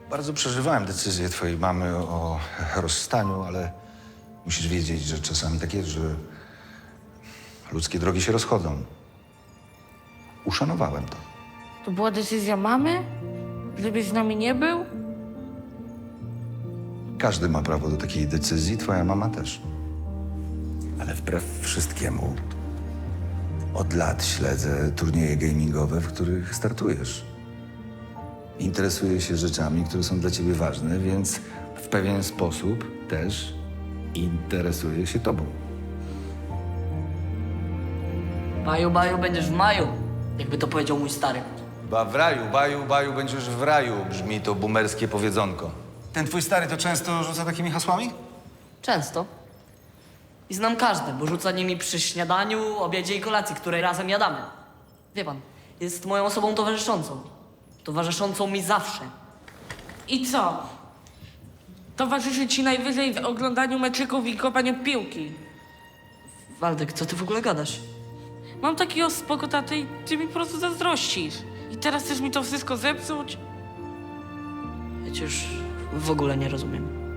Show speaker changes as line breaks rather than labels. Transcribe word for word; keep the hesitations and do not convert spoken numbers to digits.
Bardzo przeżywałem decyzję twojej mamy o rozstaniu, ale musisz wiedzieć, że czasami tak jest, że ludzkie drogi się rozchodzą. Uszanowałem to.
To była decyzja mamy? Gdybyś z nami nie był?
Każdy ma prawo do takiej decyzji, twoja mama też. Ale wbrew wszystkiemu, od lat śledzę turnieje gamingowe, w których startujesz. Interesuję się rzeczami, które są dla ciebie ważne, więc w pewien sposób też interesuję się tobą.
Baju, baju, będziesz w maju, jakby to powiedział mój stary.
Chyba w raju, baju, baju, będziesz w raju, brzmi to boomerskie powiedzonko. Ten twój stary to często rzuca takimi hasłami?
Często. I znam każde, bo rzuca nimi przy śniadaniu, obiedzie i kolacji, której razem jadamy. Wie pan, jest moją osobą towarzyszącą. Towarzyszącą mi zawsze.
I co? Towarzyszy ci najwyżej w oglądaniu meczyków i kopaniu piłki.
Waldek, co ty w ogóle gadasz?
Mam takiego spoko tatę i ty mi po prostu zazdrościsz. I teraz chcesz mi to wszystko zepsuć?
Ja cię już w ogóle nie rozumiem.